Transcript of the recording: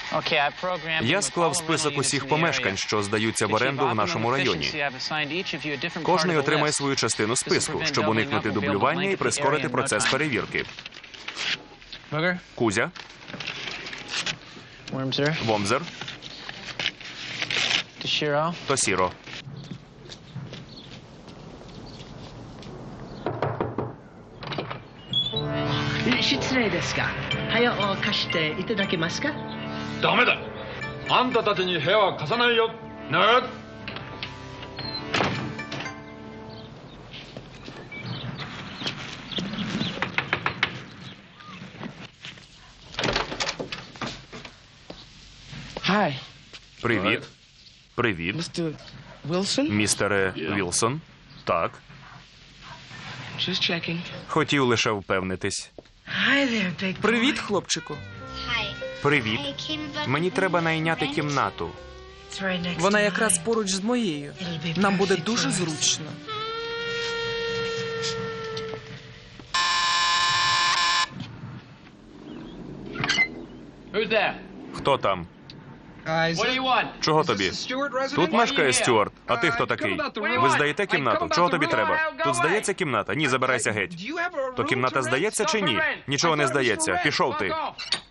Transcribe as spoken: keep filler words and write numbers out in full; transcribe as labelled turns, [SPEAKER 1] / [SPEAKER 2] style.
[SPEAKER 1] Я склав список усіх помешкань, що здаються в оренду в нашому районі. Кожний отримає свою частину списку, щоб уникнути дублювання і прискорити процес перевірки. Кузя. Вомзер. Тосіро.
[SPEAKER 2] ダメだ。あんたたちに部屋は貸さないよ。ね。
[SPEAKER 1] Привіт. Привіт. Містере Вілсон. Так. Хотів лише впевнитись.
[SPEAKER 3] Привіт, хлопчику.
[SPEAKER 1] Привіт. Мені треба найняти кімнату.
[SPEAKER 3] Вона якраз поруч з моєю. Нам буде дуже зручно.
[SPEAKER 2] Who's there?
[SPEAKER 1] Хто там?
[SPEAKER 2] What do you want?
[SPEAKER 1] Чого тобі? Тут мешкає Стюарт. А ти хто такий? Ви здаєте кімнату? Чого тобі треба? Тут здається кімната? Ні, забирайся геть. То кімната здається чи ні? Нічого не здається. Пішов ти.